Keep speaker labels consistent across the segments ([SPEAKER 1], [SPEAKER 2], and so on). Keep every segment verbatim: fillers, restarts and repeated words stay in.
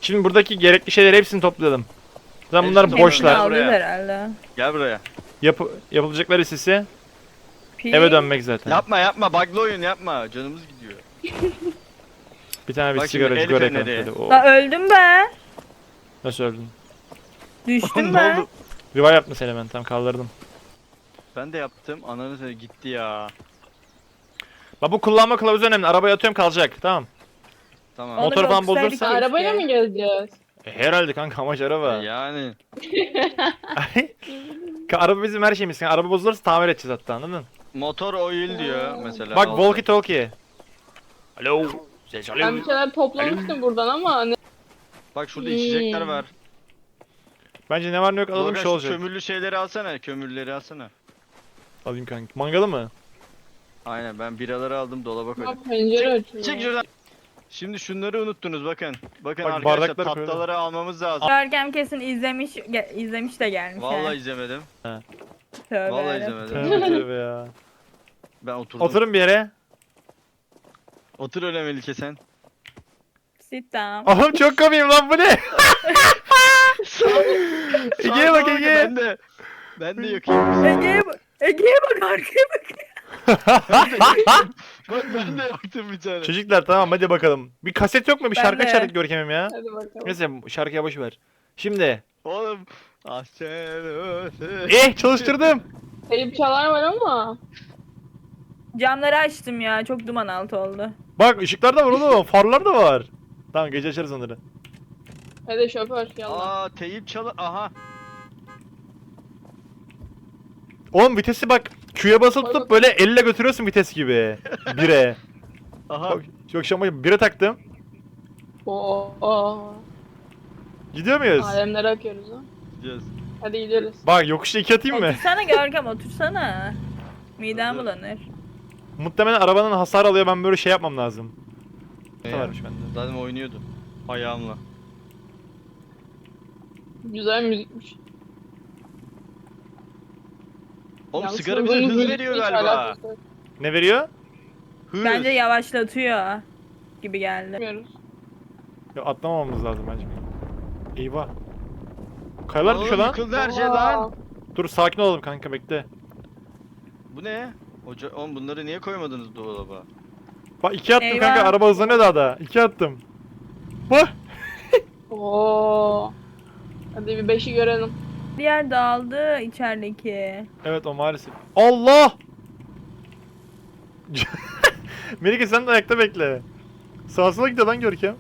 [SPEAKER 1] Şimdi buradaki gerekli şeyleri hepsini toplayalım. Zaten
[SPEAKER 2] Hepsini
[SPEAKER 1] bunlar
[SPEAKER 2] toplayalım.
[SPEAKER 1] boşlar.
[SPEAKER 2] Gel
[SPEAKER 3] Alacağız
[SPEAKER 2] buraya.
[SPEAKER 3] herhalde.
[SPEAKER 2] Gel buraya.
[SPEAKER 1] Yap yapılacaklar listesi
[SPEAKER 3] Pi.
[SPEAKER 1] eve dönmek zaten.
[SPEAKER 2] Yapma yapma bug'lı oyun yapma. Canımız gidiyor.
[SPEAKER 1] Bir tane bir
[SPEAKER 2] Bak şimdi
[SPEAKER 1] sigara
[SPEAKER 2] el
[SPEAKER 1] sigara
[SPEAKER 2] feneri.
[SPEAKER 1] yakalım. Hadi, o-
[SPEAKER 3] La öldüm be.
[SPEAKER 1] Nasıl öldün?
[SPEAKER 3] Düştüm
[SPEAKER 2] ne
[SPEAKER 3] be.
[SPEAKER 2] oldu?
[SPEAKER 1] Revive yaptın seni hemen, tam kaldırdım.
[SPEAKER 2] Ben de yaptım. Ananı seni gitti ya.
[SPEAKER 1] Bak bu kullanma kılavuzu önemli. Arabaya atıyorum kalacak. Tamam.
[SPEAKER 2] Tamam.
[SPEAKER 3] Onu
[SPEAKER 1] Motor falan
[SPEAKER 3] okusaydık
[SPEAKER 1] bozulursa-
[SPEAKER 3] keşke.
[SPEAKER 4] Arabayla mı gezeceğiz?
[SPEAKER 1] E, herhalde kanka, amaç araba.
[SPEAKER 2] Yani.
[SPEAKER 1] Ka- araba bizim her şeyimiz. Yani araba bozulursa tamir edeceğiz hatta, anladın?
[SPEAKER 2] Motor oil diyor mesela.
[SPEAKER 1] Bak
[SPEAKER 2] Al.
[SPEAKER 1] walkie talkie. Alo. Ses
[SPEAKER 4] Ben bir şeyler toplamıştım buradan ama ne?
[SPEAKER 2] Bak şurada içecekler
[SPEAKER 4] Hmm.
[SPEAKER 2] var.
[SPEAKER 1] Bence ne var ne yok alalım,
[SPEAKER 2] Dorgan
[SPEAKER 1] şey
[SPEAKER 2] şu
[SPEAKER 1] olacak.
[SPEAKER 2] kömürlü şeyleri alsana. Kömürleri alsana.
[SPEAKER 1] Alayım kanka. Mangalı mı?
[SPEAKER 2] Aynen ben biraları aldım dolaba
[SPEAKER 4] Ha,
[SPEAKER 2] koydum.
[SPEAKER 4] pencere açıyor.
[SPEAKER 2] Çek şuradan. Şimdi şunları unuttunuz bakın. Bakın
[SPEAKER 1] Bak,
[SPEAKER 2] arkadaşlar
[SPEAKER 1] bardakları koyalım.
[SPEAKER 2] tatlıları almamız lazım.
[SPEAKER 3] Görkem kesin izlemiş ge- izlemiş de gelmiş.
[SPEAKER 2] Vallahi
[SPEAKER 3] ha.
[SPEAKER 2] izlemedim.
[SPEAKER 3] Tövbe
[SPEAKER 2] Vallahi
[SPEAKER 3] yarabbim.
[SPEAKER 2] izlemedim.
[SPEAKER 1] Tövbe tövbe ya.
[SPEAKER 2] Ben oturdum. Otur,
[SPEAKER 1] Oturun bir yere.
[SPEAKER 2] Otur öyle Melike sen.
[SPEAKER 3] Sit down.
[SPEAKER 1] Oğlum çok komiyim lan, bu ne? Ege'ye bak,
[SPEAKER 2] Sağ ol,
[SPEAKER 1] Ege.
[SPEAKER 2] Ben de. Ben de yakayım.
[SPEAKER 3] Ege'ye bak. Ege'ye bak, arkaya bak.
[SPEAKER 2] Bak ben de yaktım bir tane.
[SPEAKER 1] Çocuklar tamam, hadi bakalım. Bir kaset yok mu? Bir
[SPEAKER 3] Ben
[SPEAKER 1] şarkı
[SPEAKER 3] de.
[SPEAKER 1] açardık Görkem'im ya.
[SPEAKER 4] Hadi bakalım.
[SPEAKER 1] Neyse şarkıya boş ver. Şimdi.
[SPEAKER 2] Oğlum. Ah sen öte.
[SPEAKER 1] Eh çalıştırdım.
[SPEAKER 4] Kayıp çalar var ama.
[SPEAKER 3] Camları açtım ya. Çok duman altı oldu.
[SPEAKER 1] Bak ışıklar da var oğlum. Farlar da var. Tamam, gece açarız onları.
[SPEAKER 4] Hadi şoför yallah.
[SPEAKER 2] Aa teyip çalı. Aha.
[SPEAKER 1] Oğlum vitesi bak. Q'ya basılı
[SPEAKER 4] Koy
[SPEAKER 1] tutup
[SPEAKER 4] bakalım.
[SPEAKER 1] böyle elle götürüyorsun vites gibi. Bire.
[SPEAKER 2] Aha.
[SPEAKER 1] Bak, yok şama bire taktım.
[SPEAKER 4] Oo. oo.
[SPEAKER 1] Gidiyor muyuz?
[SPEAKER 4] Alemlere akıyoruz ha.
[SPEAKER 2] Gideceğiz.
[SPEAKER 4] Hadi gideriz.
[SPEAKER 1] Bak yokuşta iki atayım mı?
[SPEAKER 3] Otursana Görkem, otursana. Midem
[SPEAKER 2] Hadi.
[SPEAKER 3] bulanır.
[SPEAKER 1] Muhtemelen arabanın hasar alıyor, ben böyle şey yapmam lazım.
[SPEAKER 2] Ne
[SPEAKER 1] Ne
[SPEAKER 2] ya?
[SPEAKER 1] varmış bende?
[SPEAKER 2] Zaten oynuyordu. Ayağımla.
[SPEAKER 4] Güzel müzikmiş.
[SPEAKER 2] Oğlum
[SPEAKER 4] Yalnız
[SPEAKER 2] sigara bize
[SPEAKER 4] hızın
[SPEAKER 2] hız
[SPEAKER 4] müzikle
[SPEAKER 2] veriyor
[SPEAKER 4] hiç
[SPEAKER 2] galiba.
[SPEAKER 4] alakası yok.
[SPEAKER 1] Ne veriyor?
[SPEAKER 2] Hız.
[SPEAKER 3] Bence yavaşlatıyor gibi geldi.
[SPEAKER 4] Bilmiyoruz.
[SPEAKER 1] Ya atlamamamız lazım bence. Eyvah. Kayalar
[SPEAKER 2] Oğlum,
[SPEAKER 1] düşüyor lan.
[SPEAKER 2] yıkıldı her şey
[SPEAKER 4] Aa.
[SPEAKER 2] lan.
[SPEAKER 1] Dur sakin olalım kanka, bekle.
[SPEAKER 2] Bu ne? Hoca, oğlum bunları niye koymadınız dolaba?
[SPEAKER 1] Bak iki attım
[SPEAKER 3] Eyvah.
[SPEAKER 1] kanka, araba hızlanıyor daha da. İki attım. Bak.
[SPEAKER 4] Oo. Hadi bir beşi görelim.
[SPEAKER 3] Bir yer dağıldı içerideki.
[SPEAKER 1] Evet o maalesef. Allah! Melike sen de ayakta bekle. Sağa sola gidiyor lan Görkem.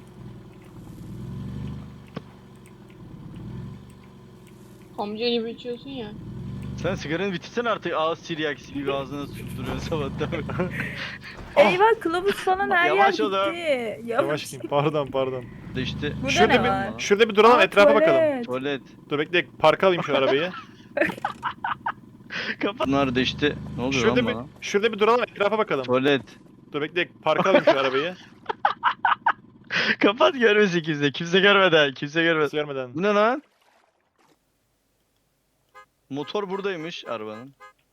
[SPEAKER 4] Amca gibi içiyorsun ya.
[SPEAKER 2] Sen sigaranı bitirsen artık ağız tiryakisi gibi ağzına tutturuyorsun sabahtan beri.
[SPEAKER 3] Eyvah, kılavuz falan her yer
[SPEAKER 2] Yavaş
[SPEAKER 3] gitti.
[SPEAKER 2] ol ha.
[SPEAKER 3] Yavaş.
[SPEAKER 1] Yavaş gideyim. Pardon pardon.
[SPEAKER 2] İşte
[SPEAKER 3] Burada
[SPEAKER 1] Şurada
[SPEAKER 3] ne
[SPEAKER 1] bir
[SPEAKER 3] var?
[SPEAKER 1] şurada bir duralım,
[SPEAKER 3] Aa,
[SPEAKER 1] etrafa bakalım.
[SPEAKER 3] tuvalet.
[SPEAKER 2] tuvalet.
[SPEAKER 1] Dur bekle, parka alayım şu arabayı.
[SPEAKER 2] Kapat. Bunlar da işte ne oluyor
[SPEAKER 1] Şurada
[SPEAKER 2] lan
[SPEAKER 1] bir
[SPEAKER 2] bana?
[SPEAKER 1] şurada bir duralım, etrafa bakalım.
[SPEAKER 2] Tuvalet.
[SPEAKER 1] Dur bekle, parka alayım şu arabayı.
[SPEAKER 2] Kapat görmesin kimse. Kimse görmeden. Kimse görmeden.
[SPEAKER 1] Nasıl görmeden.
[SPEAKER 2] Bu ne lan? Motor buradaymış arabanın.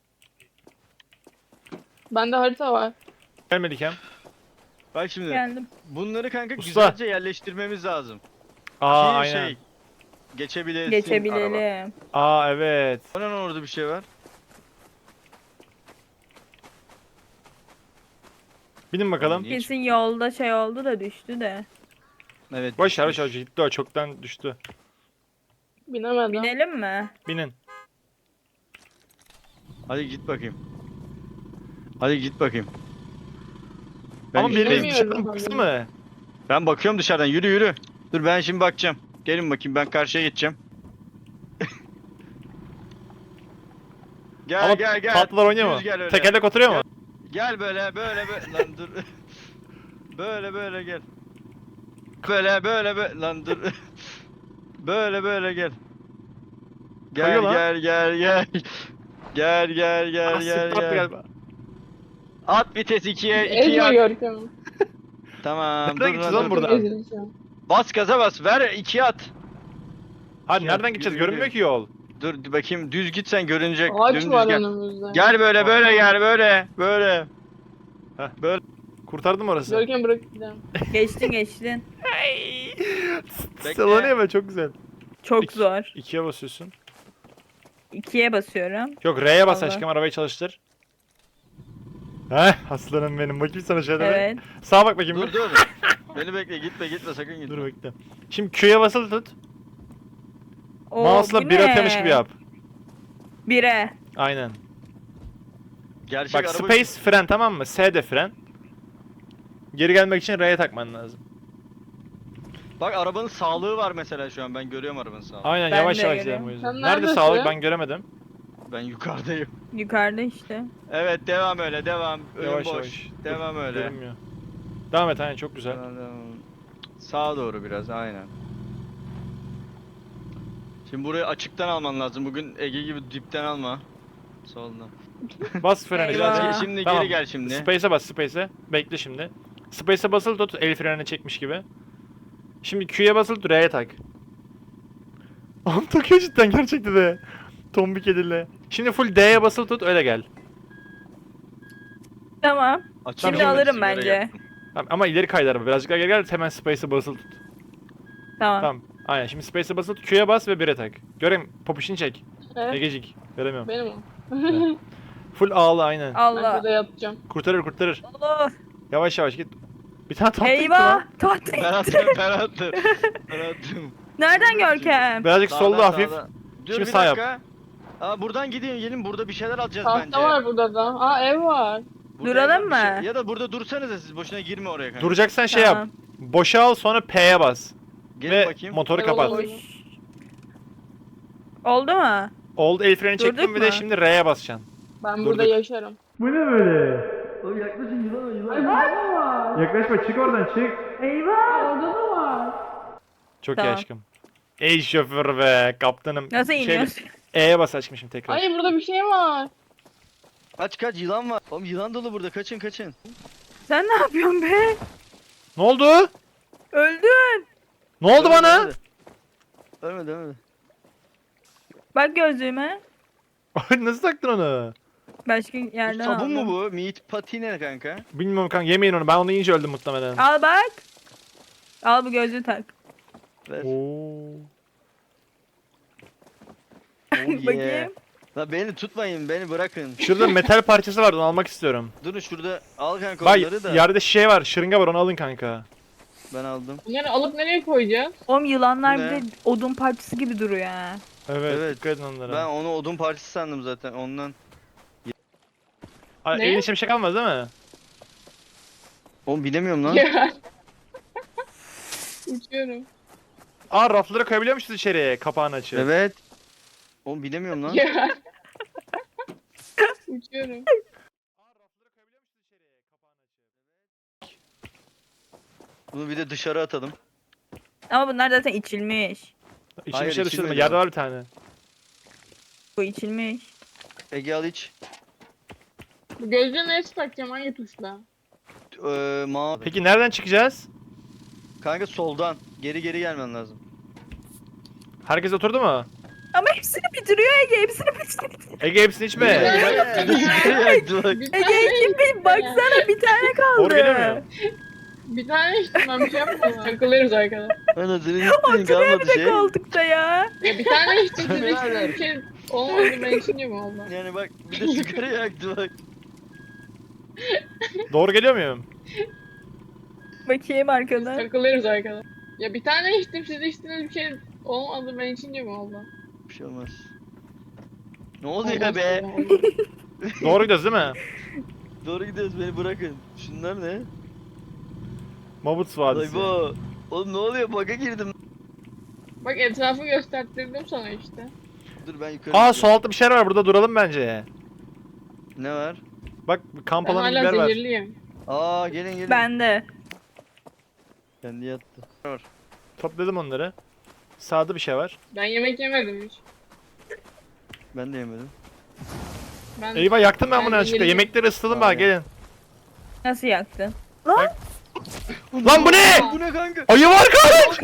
[SPEAKER 4] Bende harita var.
[SPEAKER 1] Gel Melikem.
[SPEAKER 2] Bak şimdi.
[SPEAKER 3] Geldim.
[SPEAKER 2] Bunları kanka
[SPEAKER 1] Usta.
[SPEAKER 2] güzelce yerleştirmemiz lazım.
[SPEAKER 1] Aa
[SPEAKER 2] Ki
[SPEAKER 1] aynen.
[SPEAKER 2] şey geçebilesin araba.
[SPEAKER 3] Geçebilelim.
[SPEAKER 1] Aa evet.
[SPEAKER 2] O ne lan orada bir şey var?
[SPEAKER 1] Binin bakalım.
[SPEAKER 2] Niye
[SPEAKER 3] Kesin yolda şey oldu da düştü de.
[SPEAKER 2] Evet.
[SPEAKER 1] Boş ver boş
[SPEAKER 2] düşmüş.
[SPEAKER 1] ver, gitti o, çoktan düştü.
[SPEAKER 4] Binemedim.
[SPEAKER 3] Binelim mi?
[SPEAKER 1] Binin.
[SPEAKER 2] Hadi git bakayım. Hadi git bakayım. Ben
[SPEAKER 1] Ama biriniz
[SPEAKER 4] bilemiyorum
[SPEAKER 1] dışarıdan
[SPEAKER 4] tabii.
[SPEAKER 1] baksa mı?
[SPEAKER 2] Ben bakıyorum dışarıdan. Yürü yürü. Dur ben şimdi bakacağım. Gelin bakayım ben karşıya geçeceğim. gel
[SPEAKER 1] Ama
[SPEAKER 2] gel gel.
[SPEAKER 1] tatlılar oynuyor mu?
[SPEAKER 2] Düz gel öyle.
[SPEAKER 1] Tekerlek oturuyor mu?
[SPEAKER 2] Gel böyle böyle böyle lan dur. böyle böyle gel. Böyle böyle böyle lan dur. böyle böyle gel. Gel
[SPEAKER 1] Kayıyor lan.
[SPEAKER 2] gel gel gel. Gel gel gel
[SPEAKER 1] Ah,
[SPEAKER 2] gel
[SPEAKER 1] sıktı attı
[SPEAKER 2] gel.
[SPEAKER 1] galiba.
[SPEAKER 2] At vites ikiye ikiye
[SPEAKER 4] Ezme
[SPEAKER 2] at.
[SPEAKER 4] Görkem'i.
[SPEAKER 2] Tamam
[SPEAKER 1] Nereden
[SPEAKER 2] dur
[SPEAKER 1] gideceğiz
[SPEAKER 2] lan
[SPEAKER 1] lan
[SPEAKER 2] dur.
[SPEAKER 1] buradan?
[SPEAKER 4] Ezileceğim.
[SPEAKER 2] Bas gaza bas ver ikiye at.
[SPEAKER 1] Hadi
[SPEAKER 2] Yürü,
[SPEAKER 1] nereden gideceğiz?
[SPEAKER 2] yürü,
[SPEAKER 1] Görünmüyor
[SPEAKER 2] yürü.
[SPEAKER 1] ki yol.
[SPEAKER 2] Dur dur bakayım düz git sen görünecek.
[SPEAKER 4] Ağaç
[SPEAKER 2] Dümdüz
[SPEAKER 4] var
[SPEAKER 2] gel.
[SPEAKER 4] önümüzde.
[SPEAKER 2] Gel böyle böyle gel böyle böyle.
[SPEAKER 1] Kurtardım orası.
[SPEAKER 4] Görkem bırak gidelim.
[SPEAKER 3] Geçtin geçtin.
[SPEAKER 2] Bekle.
[SPEAKER 1] Sallanıyor be, çok güzel.
[SPEAKER 3] Çok
[SPEAKER 1] İki-
[SPEAKER 3] zor.
[SPEAKER 1] İkiye basıyorsun.
[SPEAKER 3] İkiye basıyorum.
[SPEAKER 1] Yok, R'ye bas
[SPEAKER 3] Allah.
[SPEAKER 1] aşkım, arabayı çalıştır. Heh, aslanım benim. Bakayım sana şöyle. bir.
[SPEAKER 3] Evet.
[SPEAKER 1] Sağa bak bakayım.
[SPEAKER 2] Dur
[SPEAKER 1] bir.
[SPEAKER 2] dur. Beni bekle, gitme gitme, sakın gitme.
[SPEAKER 1] Dur bekle. Şimdi Q'ya basılı tut.
[SPEAKER 3] Oo,
[SPEAKER 1] Mouse'la
[SPEAKER 3] bu
[SPEAKER 1] bir
[SPEAKER 3] ne?
[SPEAKER 1] atıyormuş gibi yap.
[SPEAKER 3] Bire.
[SPEAKER 1] Aynen.
[SPEAKER 2] Gerçek
[SPEAKER 1] Bak,
[SPEAKER 2] araba...
[SPEAKER 1] space fren, tamam mı? S de fren. Geri gelmek için R'ye takman lazım.
[SPEAKER 2] Bak arabanın sağlığı var mesela şu an, ben görüyorum arabanın sağlığını.
[SPEAKER 1] Aynen,
[SPEAKER 3] Ben
[SPEAKER 1] yavaş
[SPEAKER 3] de
[SPEAKER 1] yavaş
[SPEAKER 3] görüyorum.
[SPEAKER 1] gidelim o yüzden.
[SPEAKER 4] Sen
[SPEAKER 1] Nerede
[SPEAKER 4] neredesin?
[SPEAKER 1] sağlık, ben göremedim.
[SPEAKER 2] Ben yukarıdayım.
[SPEAKER 3] Yukarıda işte.
[SPEAKER 2] Evet, devam öyle, devam. Önüm
[SPEAKER 1] Yavaş
[SPEAKER 2] boş.
[SPEAKER 1] yavaş. Dur,
[SPEAKER 2] Devam öyle.
[SPEAKER 1] Görünmüyor. Devam et, aynen, çok güzel.
[SPEAKER 2] Devam, devam. Sağa doğru biraz, aynen. Şimdi burayı açıktan alman lazım. Bugün Ege gibi dipten alma. Soldan.
[SPEAKER 1] Bas freni
[SPEAKER 3] Eyvah.
[SPEAKER 1] biraz.
[SPEAKER 2] Ge- Şimdi
[SPEAKER 1] Tamam.
[SPEAKER 2] geri gel şimdi.
[SPEAKER 1] Space'e bas, space'e. Bekle şimdi. Space'e basılı tut, el frenini çekmiş gibi. Şimdi Q'ya basılı tut, R'ye tak. Oğlum takıyor cidden, gerçekten de. Tombik edille. Şimdi full D'ye basılı tut, öyle gel.
[SPEAKER 3] Tamam.
[SPEAKER 2] Açık
[SPEAKER 3] Şimdi
[SPEAKER 2] yolda
[SPEAKER 3] alırım
[SPEAKER 2] sigara
[SPEAKER 3] bence.
[SPEAKER 2] yaktım.
[SPEAKER 1] Tamam, ama ileri kaydı araba. Birazcık daha geri gel, hemen space'e basılı tut.
[SPEAKER 3] Tamam.
[SPEAKER 1] Tamam. Aynen, şimdi space'e basılı tut, Q'ya bas ve bir'e tak. Göreyim, popişini çek.
[SPEAKER 4] Evet.
[SPEAKER 1] Egecik. Göremiyorum.
[SPEAKER 4] Benim o.
[SPEAKER 1] Full ağla aynen.
[SPEAKER 4] Ben
[SPEAKER 3] Allah.
[SPEAKER 4] burada yatacağım.
[SPEAKER 1] Kurtarır kurtarır.
[SPEAKER 3] Allah.
[SPEAKER 1] Yavaş yavaş git. Bir tane tahta gitti
[SPEAKER 3] Eyvah.
[SPEAKER 1] lan.
[SPEAKER 3] Tahta.
[SPEAKER 2] Ben attım, ben attım. Ben attım.
[SPEAKER 3] Nereden Görkem?
[SPEAKER 1] Birazcık
[SPEAKER 2] Sağdan,
[SPEAKER 1] solda hafif.
[SPEAKER 2] sağdan. Dur
[SPEAKER 1] Şimdi
[SPEAKER 2] bir
[SPEAKER 1] sağ yap.
[SPEAKER 2] dakika. Aa, buradan gidin, gelin, burada bir şeyler alacağız bence.
[SPEAKER 4] Tahta var burada da. Aa ev var.
[SPEAKER 2] Burada
[SPEAKER 3] Duralım
[SPEAKER 2] bir şey-
[SPEAKER 3] mı?
[SPEAKER 2] Ya da burada dursanıza siz, boşuna girme oraya kanka.
[SPEAKER 1] Duracaksan şey
[SPEAKER 3] Tamam.
[SPEAKER 1] yap. Boşa al, sonra P'ye bas.
[SPEAKER 2] Gelin
[SPEAKER 1] Ve
[SPEAKER 2] bakayım.
[SPEAKER 1] motoru
[SPEAKER 4] Ev
[SPEAKER 1] kapat.
[SPEAKER 4] olur.
[SPEAKER 3] Oldu mu?
[SPEAKER 1] Oldu, el freni
[SPEAKER 3] Durduk
[SPEAKER 1] çektim, bir de
[SPEAKER 3] mu?
[SPEAKER 1] şimdi R'ye basacaksın.
[SPEAKER 4] Ben
[SPEAKER 1] Durduk.
[SPEAKER 4] burada yaşarım.
[SPEAKER 1] Bu ne böyle?
[SPEAKER 2] Oğlum yaklaşın, yılan o yılan.
[SPEAKER 4] Ay burada da var.
[SPEAKER 1] Yaklaşma, çık oradan, çık.
[SPEAKER 3] Eyvah.
[SPEAKER 4] Aa, orada da var.
[SPEAKER 1] Çok iyi
[SPEAKER 3] Tamam.
[SPEAKER 1] aşkım. Ey şoför be, kaptanım.
[SPEAKER 3] Nasıl
[SPEAKER 1] Şeyle-
[SPEAKER 3] iniyorsun?
[SPEAKER 1] E'ye bas aşkım şimdi tekrar.
[SPEAKER 4] Ay burada bir şey var.
[SPEAKER 2] Kaç kaç, yılan var. Oğlum yılan dolu burada, kaçın kaçın.
[SPEAKER 3] Sen ne yapıyorsun be?
[SPEAKER 1] Ne oldu?
[SPEAKER 3] Öldün.
[SPEAKER 1] Ne oldu
[SPEAKER 2] Ölmedi,
[SPEAKER 1] bana?
[SPEAKER 2] ölmedi. Ölmedi ölmedi.
[SPEAKER 3] Bak gözlüğüme.
[SPEAKER 1] Nasıl taktın onu?
[SPEAKER 3] Başka
[SPEAKER 2] Bu
[SPEAKER 3] yerden
[SPEAKER 2] sabun mu
[SPEAKER 3] aldım.
[SPEAKER 2] bu? Meat patine kanka.
[SPEAKER 1] Bilmiyorum kanka, yemeyin onu. Ben onu yiyince öldüm muhtemelen.
[SPEAKER 3] Al bak. Al bu gözlüğü tak.
[SPEAKER 2] Ver.
[SPEAKER 1] Oo.
[SPEAKER 2] Oh yeah.
[SPEAKER 3] Bakayım.
[SPEAKER 2] La beni tutmayın, beni bırakın.
[SPEAKER 1] Şurada metal parçası vardı, onu almak istiyorum.
[SPEAKER 2] Durun şurada, al kanka
[SPEAKER 1] Bak,
[SPEAKER 2] onları da.
[SPEAKER 1] yerde şey var, şırınga var, onu alın kanka.
[SPEAKER 2] Ben aldım.
[SPEAKER 4] Bunları alıp nereye koyacağız?
[SPEAKER 3] Oğlum yılanlar
[SPEAKER 2] Bu
[SPEAKER 3] bir
[SPEAKER 2] ne?
[SPEAKER 3] de odun parçası gibi duruyor ha.
[SPEAKER 1] Evet,
[SPEAKER 2] Evet.
[SPEAKER 1] dikkat edin onlara.
[SPEAKER 2] Ben onu odun parçası sandım zaten ondan.
[SPEAKER 1] Ay,
[SPEAKER 4] Ne?
[SPEAKER 1] evin içinde bir şey kalmaz değil mi?
[SPEAKER 2] Oğlum bilemiyorum lan.
[SPEAKER 4] Ya. Uçuyorum.
[SPEAKER 1] Aa, rafları koyabiliyor musunuz içeriye, kapağını açıp?
[SPEAKER 2] Evet. Oğlum bilemiyorum lan.
[SPEAKER 4] Ya. Uçuyorum.
[SPEAKER 2] Bunu bir de dışarı atalım.
[SPEAKER 3] Ama bunlar zaten içilmiş.
[SPEAKER 1] İçim
[SPEAKER 2] Hayır,
[SPEAKER 1] bir şey dışarı,
[SPEAKER 2] içilmedi
[SPEAKER 1] yerde
[SPEAKER 2] o.
[SPEAKER 1] var bir tane.
[SPEAKER 3] Bu içilmiş.
[SPEAKER 2] Ege al iç.
[SPEAKER 4] Bu gözlüğü neresi takacağım? Hangi tuşla?
[SPEAKER 2] Ee, mavi.
[SPEAKER 1] Peki nereden çıkacağız?
[SPEAKER 2] Kanka soldan. Geri geri gelmen lazım.
[SPEAKER 1] Herkes oturdu mu?
[SPEAKER 3] Ama hepsini bitiriyor Ege. Hepsini bitiriyor.
[SPEAKER 1] Ege hepsini içme.
[SPEAKER 4] Bir tane
[SPEAKER 3] Ege kim bir baksana bir tane kaldı.
[SPEAKER 1] Doğru geliyor mu?
[SPEAKER 4] Bir tane içtim ben bir şey yapmadım. Takılırız arkadaşlar.
[SPEAKER 2] Ana senin gittiğin
[SPEAKER 3] Oturuyor
[SPEAKER 2] kalmadı
[SPEAKER 3] bir de
[SPEAKER 2] şey.
[SPEAKER 3] koltukta ya.
[SPEAKER 4] Ya bir tane içtim siz
[SPEAKER 2] Birader.
[SPEAKER 4] içtiniz bir şey olmadı ben içince mi oldu?
[SPEAKER 2] Yani bak bir de sigara yaktı bak.
[SPEAKER 1] Doğru geliyor muyum?
[SPEAKER 3] Bakayım arkadan.
[SPEAKER 4] Takılırız arkadaşlar. Ya bir tane içtim siz içtiniz bir şey olmadı ben içince mi oldu?
[SPEAKER 2] Bir şey olmaz. Ne oluyor
[SPEAKER 4] Olmaz,
[SPEAKER 2] be?
[SPEAKER 4] olmaz.
[SPEAKER 1] Doğru gidiyoruz değil mi?
[SPEAKER 2] Doğru gidiyoruz, beni bırakın. Şunlar ne?
[SPEAKER 1] Mabuts
[SPEAKER 2] Ay
[SPEAKER 1] Vadisi.
[SPEAKER 2] bu. Oğlum ne oluyor? Bug'a girdim.
[SPEAKER 4] Bak etrafı gösterttirdim sana işte.
[SPEAKER 2] Dur ben yukarı
[SPEAKER 1] Aa,
[SPEAKER 2] gidiyorum.
[SPEAKER 1] sol altta bir şeyler var, burada duralım bence.
[SPEAKER 2] Ne var?
[SPEAKER 1] Bak, kamp
[SPEAKER 4] Ben
[SPEAKER 1] alanı
[SPEAKER 4] hala
[SPEAKER 1] biber var.
[SPEAKER 4] zehirliyim.
[SPEAKER 2] Aa gelin gelin.
[SPEAKER 3] Ben de.
[SPEAKER 2] Kendi yattı. Var.
[SPEAKER 1] Topladım onları. Sağda bir şey var.
[SPEAKER 4] Ben yemek yemedim hiç.
[SPEAKER 2] Ben de yemedim.
[SPEAKER 4] Ben
[SPEAKER 1] Eyvah, yaktım ben
[SPEAKER 4] Ben
[SPEAKER 1] bunu yanlışlıkla.
[SPEAKER 4] zehirliyim.
[SPEAKER 1] Yemekleri ısıtalım bak,
[SPEAKER 2] Aynen.
[SPEAKER 1] gelin.
[SPEAKER 3] Nasıl yaktın?
[SPEAKER 1] Lan bu ne?
[SPEAKER 2] Bu ne kanka?
[SPEAKER 1] Ayı var kaç!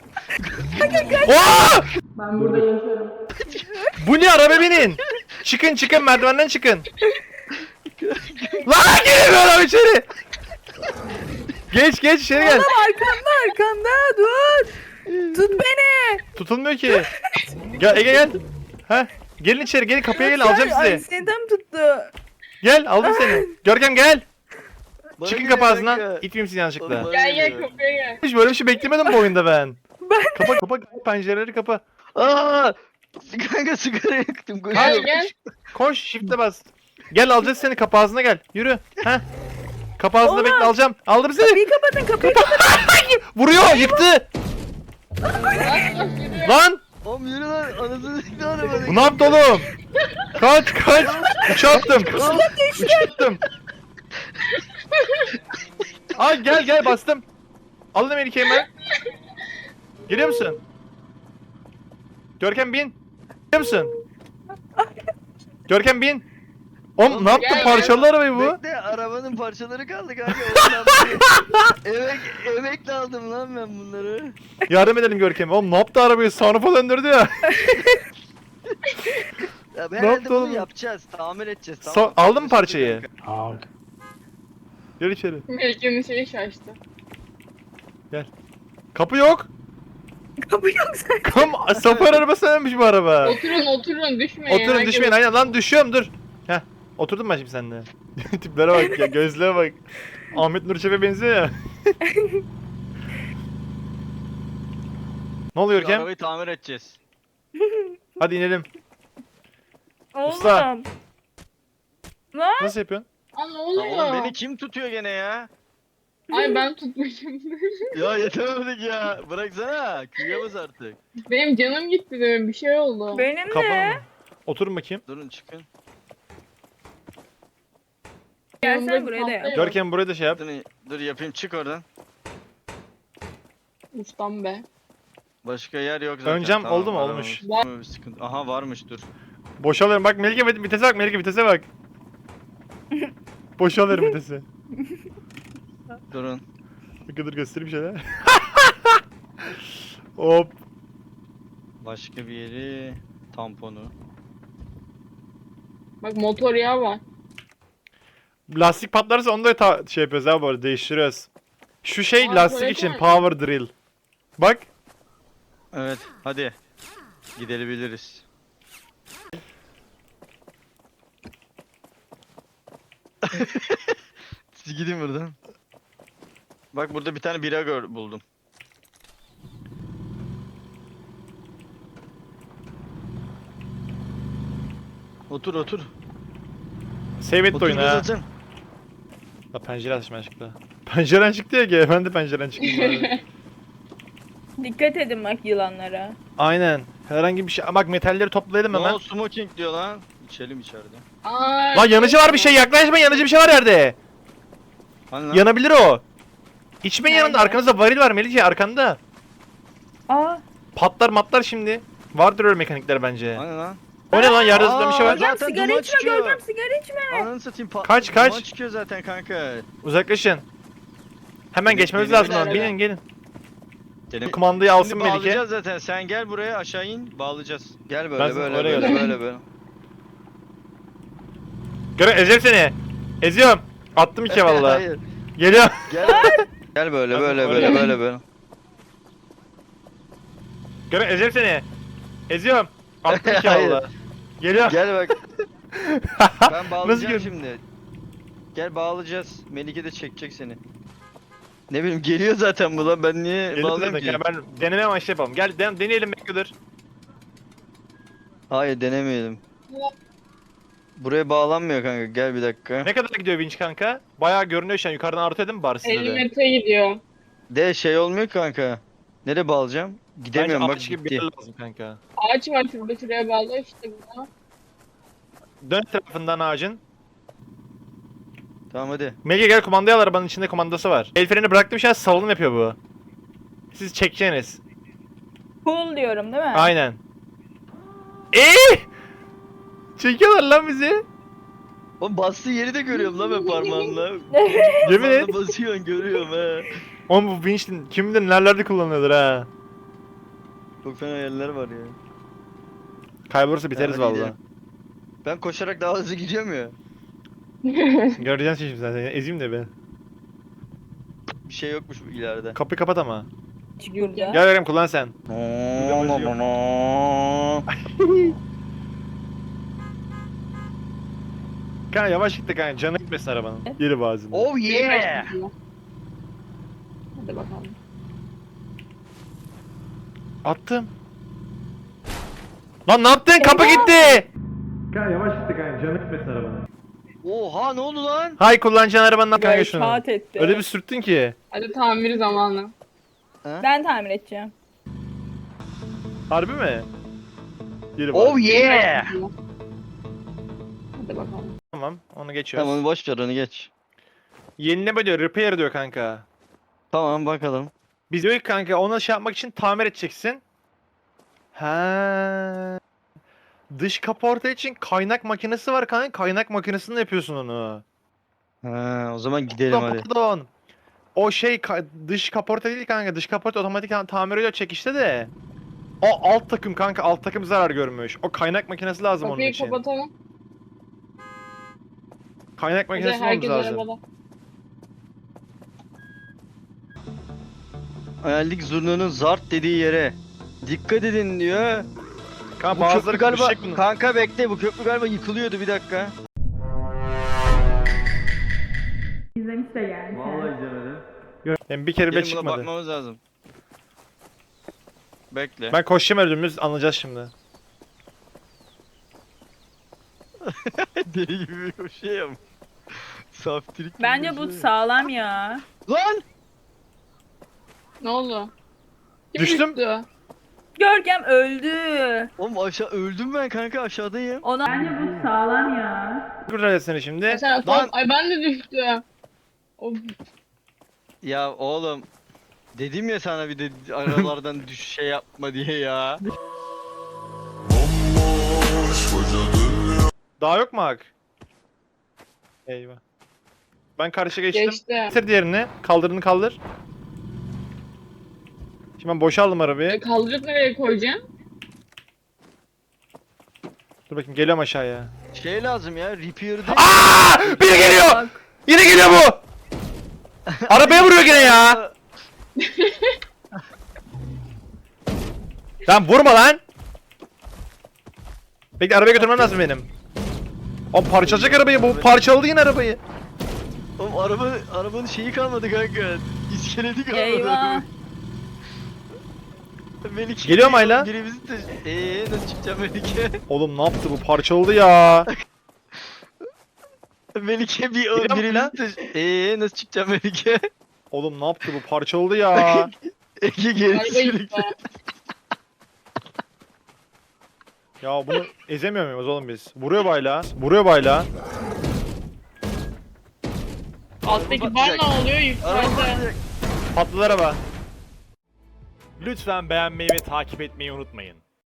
[SPEAKER 1] Oha!
[SPEAKER 4] Ben burada yaşıyorum.
[SPEAKER 1] Bu ne, araba binin. Çıkın çıkın, merdivenden çıkın. Lan giremiyor adam içeri. Geç geç içeri gel.
[SPEAKER 3] Arkanda arkanda dur. Tut beni.
[SPEAKER 1] Tutulmuyor ki. Gel Ege gel. Heh. Gelin içeri gelin kapıya gelin alacağım
[SPEAKER 3] Ay,
[SPEAKER 1] sizi.
[SPEAKER 3] seni tam tuttu.
[SPEAKER 1] Gel aldım seni. Görkem gel.
[SPEAKER 2] Bana
[SPEAKER 1] Çıkın
[SPEAKER 2] gel
[SPEAKER 1] kapı
[SPEAKER 2] kanka.
[SPEAKER 1] ağzından. İtmeyeyim sizi yanlışlıkla.
[SPEAKER 2] Oğlum,
[SPEAKER 4] Gel gel kapıya gel.
[SPEAKER 1] Hiç böyle bir şey beklemedim bu oyunda ben. Kapa kapa pencereleri kapa.
[SPEAKER 2] Aa! Kanka sigara yaktım.
[SPEAKER 4] Gel
[SPEAKER 2] Koşuyorum.
[SPEAKER 4] gel.
[SPEAKER 1] Koş shift'e bas. Gel alacağız seni kapı ağzına gel. Yürü. Heh. Kapı ağzında
[SPEAKER 3] Oğlum.
[SPEAKER 1] bekle alacağım. Aldım seni.
[SPEAKER 3] Kapıyı kapatın kapıyı kapatın.
[SPEAKER 1] Vuruyor yıktı.
[SPEAKER 4] Bas bas yürü.
[SPEAKER 1] Lan.
[SPEAKER 2] Oğlum yürü lan. Anasını sikti arabanı.
[SPEAKER 1] Bu ne yaptı oğlum? Kaç kaç. Uça attım. Uça attım. Ay gel gel bastım. Alın Melike'yi hemen. Geliyor musun? Görkem bin. Geliyor musun? Görkem bin. Oğlum ne yaptın
[SPEAKER 4] Gel,
[SPEAKER 1] parçalı arabayı bu?
[SPEAKER 2] Bekle arabanın parçaları kaldı kanka. Oğlum ben bunu- Emek, emekle aldım lan ben bunları.
[SPEAKER 1] Yardım edelim Görkem'e. Oğlum ne yaptı arabayı? Sunroof'a döndürdü ya.
[SPEAKER 2] Ya
[SPEAKER 1] Ne
[SPEAKER 2] herhalde
[SPEAKER 1] yaptı
[SPEAKER 2] bunu
[SPEAKER 1] oğlum?
[SPEAKER 2] yapacağız. Tamir edeceğiz.
[SPEAKER 1] So-
[SPEAKER 2] Tamam.
[SPEAKER 1] aldın mı parçayı?
[SPEAKER 2] Kanka.
[SPEAKER 1] Gel içeri.
[SPEAKER 4] Melike'nin şeyi şaştı.
[SPEAKER 1] Kapı yok.
[SPEAKER 3] Kapı yok sen.
[SPEAKER 1] Kam Safar arabası ölmüş bu araba.
[SPEAKER 4] Oturun oturun düşmeyin.
[SPEAKER 1] Oturun
[SPEAKER 4] Herkes-
[SPEAKER 1] düşmeyin aynen lan düşüyorum dur. Heh oturdum ben şimdi seninle. Tiplere bak ya gözlere bak. Ahmet Nur Çebi'ye benziyor ya. Ne oluyor
[SPEAKER 2] Şu
[SPEAKER 1] Görkem?
[SPEAKER 2] arabayı tamir edeceğiz.
[SPEAKER 1] Hadi inelim.
[SPEAKER 3] Oğlum.
[SPEAKER 1] Usta.
[SPEAKER 3] Lan.
[SPEAKER 1] Nasıl yapıyorsun?
[SPEAKER 4] Aa ne
[SPEAKER 2] Ya oğlum
[SPEAKER 4] oluyor?
[SPEAKER 2] beni kim tutuyor gene ya?
[SPEAKER 4] Ay ben tutmuşum.
[SPEAKER 2] Ya yetemedik ya. Bıraksana. Küye bas artık.
[SPEAKER 4] Benim canım gitti demin bir şey oldu.
[SPEAKER 3] Benim
[SPEAKER 1] Kafanı
[SPEAKER 3] de.
[SPEAKER 1] mı? Oturun bakayım.
[SPEAKER 2] Durun çıkın.
[SPEAKER 3] Gelsen buraya da yap.
[SPEAKER 4] Yok.
[SPEAKER 1] Görkem buraya da şey yap.
[SPEAKER 2] Dur, dur yapayım çık oradan.
[SPEAKER 4] Ustam be.
[SPEAKER 2] Başka yer yok zaten.
[SPEAKER 1] Ön cam oldu mu?
[SPEAKER 2] araba
[SPEAKER 1] Olmuş.
[SPEAKER 2] var. Bir sıkıntı. Aha varmış dur.
[SPEAKER 1] Boşalıyorum bak Melike vit- vitese bak Melike vitese bak. Boşalıyorum vitesi.
[SPEAKER 2] Durun.
[SPEAKER 1] Bir kadar göstereyim şöyle. Hop.
[SPEAKER 2] Başka bir yeri. Tamponu.
[SPEAKER 4] Bak motor yağı var.
[SPEAKER 1] Lastik patlarsa onu da ta- şey yapıyoruz abi bu arada değiştiriyoruz. Şu şey
[SPEAKER 4] Aa,
[SPEAKER 1] lastik
[SPEAKER 4] tuvalet
[SPEAKER 1] için
[SPEAKER 4] var.
[SPEAKER 1] power drill. Bak.
[SPEAKER 2] Evet hadi. Gidebiliriz. Siz gidin buradan. Bak burada bir tane bira gör buldum. Otur otur.
[SPEAKER 1] Save et
[SPEAKER 2] Otur
[SPEAKER 1] oyunu
[SPEAKER 2] göz
[SPEAKER 1] ha.
[SPEAKER 2] atın.
[SPEAKER 1] La pencere açma çıktı. Penceren çıktı ya ki ben de penceren çıktım. bari.
[SPEAKER 3] Dikkat edin bak yılanlara.
[SPEAKER 1] Aynen. Herhangi bir şey. Bak metalleri toplayalım hemen.
[SPEAKER 2] No smoking diyor lan. İçelim içeride.
[SPEAKER 4] Aa,
[SPEAKER 1] Lan yanıcı var bir şey yaklaşma yanıcı bir şey var yerde.
[SPEAKER 2] Hani lan?
[SPEAKER 1] Yanabilir o. İçmeyin yanında
[SPEAKER 3] Nerede?
[SPEAKER 1] arkanızda varil var Melike arkanda.
[SPEAKER 3] Aa.
[SPEAKER 1] Patlar matlar şimdi. Vardır öyle mekanikler bence.
[SPEAKER 2] Hani lan?
[SPEAKER 1] O ne lan yerde zıplayan bir şey var.
[SPEAKER 2] Aa,
[SPEAKER 3] Görkem
[SPEAKER 2] Zaten
[SPEAKER 3] sigara
[SPEAKER 2] duman
[SPEAKER 3] içme
[SPEAKER 2] çıkıyor.
[SPEAKER 3] Görkem sigara içme.
[SPEAKER 2] Ananı satayım pat.
[SPEAKER 1] Kaç, kaç?
[SPEAKER 2] Duman çıkıyor zaten kanka.
[SPEAKER 1] Uzaklaşın. Hemen
[SPEAKER 2] Benim-
[SPEAKER 1] geçmemiz
[SPEAKER 2] benim
[SPEAKER 1] lazım lan.
[SPEAKER 4] öyle.
[SPEAKER 1] Binin gelin.
[SPEAKER 2] Dedim.
[SPEAKER 1] Kumandayı alsın
[SPEAKER 2] Şimdi
[SPEAKER 1] Melike.
[SPEAKER 2] bağlayacağız zaten. Sen gel buraya aşağı in bağlayacağız. Gel
[SPEAKER 1] Ben
[SPEAKER 2] böyle
[SPEAKER 1] sana
[SPEAKER 2] böyle
[SPEAKER 1] oraya
[SPEAKER 2] böyle
[SPEAKER 1] geldim.
[SPEAKER 2] böyle böyle.
[SPEAKER 1] Göre ezeceğim seni. Eziyorum. Attım iki valla.
[SPEAKER 2] Hayır.
[SPEAKER 1] Geliyor.
[SPEAKER 2] Gel. Gel böyle
[SPEAKER 1] Ben
[SPEAKER 2] böyle
[SPEAKER 1] oraya
[SPEAKER 2] böyle
[SPEAKER 1] geldim.
[SPEAKER 2] böyle böyle.
[SPEAKER 1] Göre ezeceğim seni. Eziyorum. Attım iki
[SPEAKER 2] Hayır.
[SPEAKER 1] valla. Geliyor.
[SPEAKER 2] Gel bak. Ben bağlayacağım
[SPEAKER 1] gör-
[SPEAKER 2] şimdi. Gel bağlayacağız. Melike de çekecek seni. Ne bileyim geliyor zaten bu lan ben niye
[SPEAKER 1] Geliyor
[SPEAKER 2] bağlayayım
[SPEAKER 1] zaten.
[SPEAKER 2] ki?
[SPEAKER 1] Gel, ben deneme amaçlı yapalım. Gel den deneyelim Melike dur.
[SPEAKER 2] Hayır denemeyelim. Buraya bağlanmıyor kanka gel bir dakika.
[SPEAKER 1] Ne kadar gidiyor vinç kanka? Bayağı görünüyor şu an. Yukarıdan artı edin mi bari size
[SPEAKER 4] elli
[SPEAKER 1] de?
[SPEAKER 4] metre gidiyor.
[SPEAKER 2] De şey olmuyor kanka. Nereye bağlayacağım? Gidemiyorum
[SPEAKER 1] Bence
[SPEAKER 2] bak
[SPEAKER 1] ağaç gibi bir yer
[SPEAKER 2] gitti.
[SPEAKER 1] lazım kanka.
[SPEAKER 4] Ağaç var şurada şuraya bağla işte buna.
[SPEAKER 1] Dön tarafından ağacın.
[SPEAKER 2] Tamam hadi.
[SPEAKER 1] Melike gel kumandayı al arabanın içinde kumandası var. El freni bıraktım şu an salınım yapıyor bu. Siz çekeceğiniz.
[SPEAKER 3] Cool diyorum değil mi?
[SPEAKER 1] Aynen. Eee! Çekiyorlar lan bizi.
[SPEAKER 2] Oğlum bastığı yeri de görüyorum lan ben parmağımla.
[SPEAKER 1] Yemin et.
[SPEAKER 2] Parmağımla basıyorsun görüyorum he.
[SPEAKER 1] Oğlum bu vinç kim bilir nerelerde kullanıyordur ha.
[SPEAKER 2] Çok fena yerler var ya.
[SPEAKER 1] Kaybolursa biteriz
[SPEAKER 2] hadi
[SPEAKER 1] vallahi.
[SPEAKER 2] gidelim. Ben koşarak daha hızlı gidiyorum ya.
[SPEAKER 1] Göreceksin şimdi zaten. Ezeyim de ben.
[SPEAKER 2] Bir şey yokmuş ileride.
[SPEAKER 1] Kapıyı kapat ama.
[SPEAKER 3] Çıkıyor
[SPEAKER 1] Gel vereyim, kullan sen. Kanka yavaş gitti kanka, canı gitmesin arabanın. Geri bazında.
[SPEAKER 2] Oh yeah.
[SPEAKER 4] Hadi bakalım.
[SPEAKER 1] Attım. Lan ne yaptın? Kapı gitti. Kanka yavaş gitti kanka, canı gitmesin arabanın.
[SPEAKER 2] Oha ne oldu lan?
[SPEAKER 1] Hay kullanacağın arabandan kanka
[SPEAKER 3] Böyle
[SPEAKER 1] şunu.
[SPEAKER 3] kağıt etti.
[SPEAKER 1] Öyle bir sürttün ki.
[SPEAKER 4] Hadi tamir zamanı.
[SPEAKER 3] Ben tamir edeceğim.
[SPEAKER 1] Harbi mi? Geri
[SPEAKER 2] Oh
[SPEAKER 1] bas.
[SPEAKER 2] yeah.
[SPEAKER 4] Hadi bakalım.
[SPEAKER 1] Tamam, onu geçiyoruz.
[SPEAKER 2] Tamam boş ver onu geç.
[SPEAKER 1] Yenileme diyor, repair diyor kanka.
[SPEAKER 2] Tamam bakalım.
[SPEAKER 1] Biz diyor ki kanka ona şey yapmak için tamir edeceksin. Ha. Dış kaporta için kaynak makinesi var kanka. Kaynak makinesinde yapıyorsun onu.
[SPEAKER 2] Ha, o zaman gidelim
[SPEAKER 1] Pardon,
[SPEAKER 2] hadi.
[SPEAKER 1] pardon. O şey ka- dış kaporta değil kanka. Dış kaporta otomatik ta- tamir ediyor çekişte de. O alt takım kanka. Alt takım zarar görmüş. O kaynak makinesi lazım onun
[SPEAKER 4] Kapıyı
[SPEAKER 1] için.
[SPEAKER 4] kapatalım.
[SPEAKER 1] Kaynak
[SPEAKER 4] Hadi
[SPEAKER 1] makinesi olmamız
[SPEAKER 4] herkes
[SPEAKER 1] lazım.
[SPEAKER 4] arabada.
[SPEAKER 2] Hayallik zurnanın zart dediği yere. Dikkat edin diyor.
[SPEAKER 1] Kanka
[SPEAKER 2] Bu
[SPEAKER 1] bazıları
[SPEAKER 2] köprü galiba...
[SPEAKER 1] düşecek bunun.
[SPEAKER 2] Kanka bekle bu köprü galiba yıkılıyordu bir dakika.
[SPEAKER 3] İzlemiş de geldi.
[SPEAKER 2] izlemedim.
[SPEAKER 1] Yani bir kere bile
[SPEAKER 2] Gelin buna
[SPEAKER 1] çıkmadı.
[SPEAKER 2] bakmamız lazım. Bekle.
[SPEAKER 1] Ben koşacağım önümüz, anlayacağız şimdi.
[SPEAKER 2] Deli gibi bir şey ama. Saftirik gibi
[SPEAKER 3] Bence
[SPEAKER 2] bir
[SPEAKER 3] bu
[SPEAKER 2] şey.
[SPEAKER 3] sağlam ya.
[SPEAKER 2] Lan!
[SPEAKER 4] Ne oldu? Kim
[SPEAKER 1] Düştüm.
[SPEAKER 4] düştü?
[SPEAKER 3] Görkem öldü.
[SPEAKER 2] Oğlum aşağı öldüm ben kanka aşağıdayım.
[SPEAKER 3] Ona bence bu sağlam ya.
[SPEAKER 1] Kurtar seni şimdi.
[SPEAKER 4] Ya sen,
[SPEAKER 2] Lan!
[SPEAKER 4] Ay ben de düştüm. Of.
[SPEAKER 2] Ya oğlum. Dedim ya sana bir de aralardan düş şey yapma diye ya.
[SPEAKER 1] Daha yok mu Hak? Eyvah. Ben karşı geçtim.
[SPEAKER 4] Geçti.
[SPEAKER 1] Getir diğerini. Kaldırını kaldır. Şimdi ben boşaldım
[SPEAKER 4] E,
[SPEAKER 1] arabayı.
[SPEAKER 4] kaldırıp nereye koyacağım?
[SPEAKER 1] Dur bakayım, geliyorum aşağıya.
[SPEAKER 2] Şey lazım ya repair'de.
[SPEAKER 1] Aa! Biri geliyor!
[SPEAKER 3] Bak.
[SPEAKER 1] Yine geliyor bu! Arabaya vuruyor gene ya! Lan vurma lan! Bekle, arabaya götürmem lazım benim. O parçalayacak arabayı, bu parçaladı yine arabayı.
[SPEAKER 2] Oğlum araba arabanın şeyi kalmadı kanka. İskeleti kalmadı.
[SPEAKER 3] Eyvah.
[SPEAKER 2] Melike.
[SPEAKER 1] Geliyor mu hala?
[SPEAKER 2] Birimizi de... Eee nasıl çıkacağım Melike?
[SPEAKER 1] Oğlum ne yaptı bu, parçaladı ya.
[SPEAKER 2] Melike bir
[SPEAKER 1] Geliyor mu
[SPEAKER 2] birimizi de... Eee nasıl çıkacağım Melike?
[SPEAKER 1] Oğlum ne yaptı bu, parçaladı ya.
[SPEAKER 2] Ege geri
[SPEAKER 4] Araba
[SPEAKER 2] sürekli.
[SPEAKER 4] gitti.
[SPEAKER 1] Ya bunu ezemiyor muyuz oğlum biz? Vuruyor bayla. Vuruyor bayla.
[SPEAKER 4] Alttaki bar ne oluyor?
[SPEAKER 2] Araba
[SPEAKER 4] Yukarıda.
[SPEAKER 2] patlayacak.
[SPEAKER 1] Patladı araba. Lütfen beğenmeyi ve takip etmeyi unutmayın.